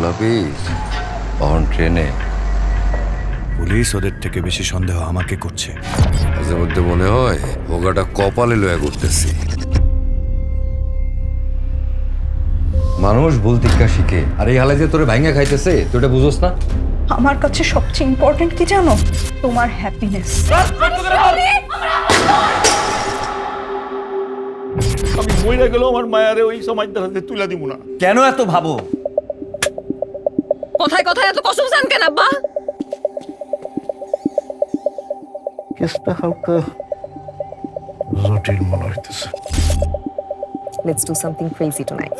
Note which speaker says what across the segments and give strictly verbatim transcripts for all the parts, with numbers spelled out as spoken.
Speaker 1: গোলাপিস on ট্রেনে।
Speaker 2: Police ওদের থেকে বেশি সন্দেহ আমাকে করছে।
Speaker 1: মাঝে মধ্যে মনে হয় ভোগাটা কপালে লয়া করতেছি। মানুষ ভুল টিক্কা শিখে, আর এই হালে যে তোরে ভাঙ্গা খাইতেছে তুই এটা বুঝোস না?
Speaker 3: আমার কাছে সবচেয়ে ইম্পর্টেন্ট কি জানো? তোমার হ্যাপিনেস।
Speaker 4: আমি মইরা গেল আমার মায়ারে ওই সমাজদার হাতে তুলে দিব না।
Speaker 5: কেন এত ভাবো?
Speaker 6: কোথায় কোথায় এত কসম চান কেন আব্বা?
Speaker 4: কেসটা হালকা জটিল মনে হইতেছে।
Speaker 6: Let's do something crazy tonight.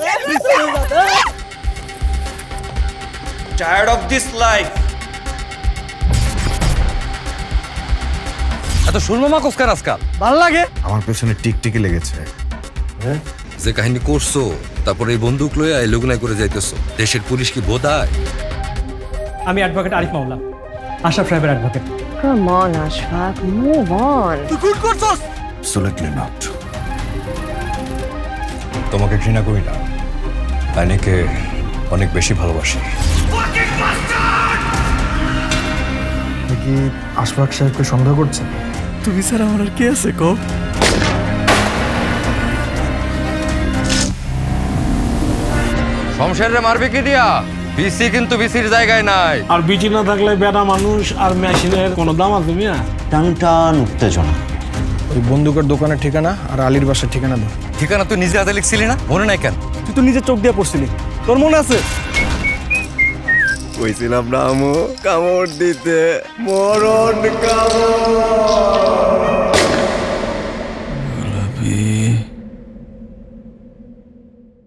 Speaker 5: Tired of this life.
Speaker 1: এত সুরমা কোসকার আজকাল
Speaker 2: ভাল লাগে আমার পেছনে টিকটিকি লেগেছে।
Speaker 1: যে কাহিনী করছো, তারপরে এই বন্দুক লইয়া এই লুগনায় করে যাইতেছো। দেশের পুলিশ কি বোধায়?
Speaker 7: আমি অ্যাডভোকেট আরিফ মাওলা, আশরাফ সাহেবের advocate.
Speaker 6: Come on, Ashfaq, move on.
Speaker 2: Absolutely not.
Speaker 1: তোমাকে ঘৃণা করি না, আইনিকে অনেক বেশি ভালোবাসি।
Speaker 8: কি আশফাক সাহেবকে সন্দেহ করছেন?
Speaker 2: তুমি স্যার আমার আর কে আছে কো?
Speaker 1: শমশেরে মারবে কি দিয়া? বিসি কিন্তু বিসির জায়গায় নাই।
Speaker 4: আর বিচি না থাকলে বেটা মানুষ আর মেশিনের কোনো দাম আছে মিয়া?
Speaker 5: টান টান উত্তেজনা।
Speaker 8: ওই বন্দুকের দোকানের ঠিকানা আর আলীর বাসার ঠিকানা দাও।
Speaker 1: ঠিকানা তুই নিজে হাতে লিখছিলি না? মনে নাই কেন?
Speaker 8: তুই তো নিজে চোখ দিয়ে পড়ছিলি, তোর মনে আছে?
Speaker 2: কইছিলাম না আমু কামড় দিতে, মরণ কামড়।
Speaker 4: গোলাপি